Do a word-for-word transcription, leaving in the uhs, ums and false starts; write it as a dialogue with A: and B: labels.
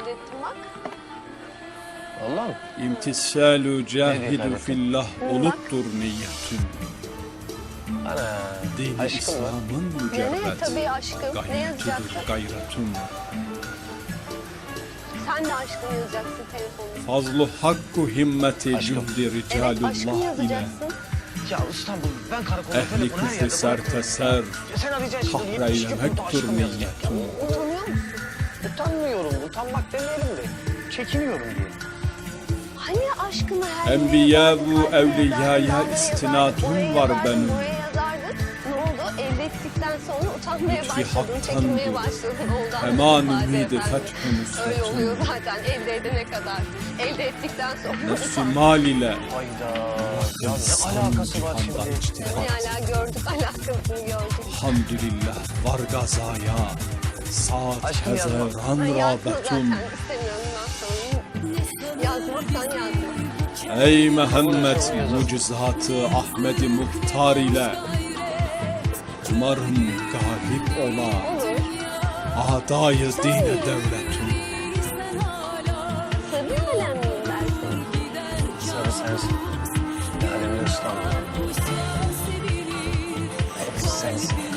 A: ettim bak.
B: Vallahi mi?
C: İmtisalu cahidu
B: efendim?
C: fillah oluttur niyetin.
B: Ana.
C: Dini
B: Aşkım mı?
C: İslam'ın
A: Ne
C: mücerret.
A: tabii aşkım. Ne
C: Gayretidir
A: yazacaksın?
C: gayretun.
A: Sen de aşkım yazacaksın telefonuna.
C: Fazlu hakku himmeti
B: Aşkım.
C: cühdi
A: Evet aşkım
C: ricalullah ile.
A: yazacaksın.
B: Ya İstanbul, ben karakolda
C: Ehli
B: telefonu her
C: küfrü
B: yerde
C: serteser.
B: bırakıyorum. Sen arayacaksın şimdi.
C: Kahreylemektur niyetin.
A: Utanıyor musun?
B: Utanmıyorum, utanmak demeyelim de. Çekiniyorum diye.
A: Hani aşkımı her
C: Enbiya
A: yere
C: bu
A: yazardın,
C: evliyaya
A: kalbine yazardın,
C: istinadum
A: oraya
C: var
A: yazardın,
C: benim.
A: Oraya yazardın. Ne oldu? Elde ettikten sonra utanmaya
C: Lütfi
A: başladın,
C: haktandır.
A: çekinmeye başladın. Oldu
C: Hemen
A: anlaşılmaz
C: ümidi
A: efendim.
C: fethü
A: Öyle
C: nusretun.
A: oluyor zaten elde edene kadar. Elde ettikten sonra
C: Nefsi
A: utan.
C: mal ile.
B: Hayda. Ya ne
C: İnsan
B: alakası var
C: cihandan
B: şimdi?
C: içtihat.
A: Ne hala gördük, alakasını gördük.
C: Hamdülillah var gazaya. Saat
B: Aşkım yazma.
C: hezeran
A: Ay yazma zaten,
C: rağbetun.
A: istemiyorum ben sana. Yazmazsan yazma.
C: Ey Muhammed mucizatı Ahmet-i Muhtar ile. Umarım galip ola.
A: Olur.
C: Adayı dine devletun.
A: Sarı alem miyim ben senin?
B: Sarı sensin. Lalemin İstanbul. Hepsi sensin.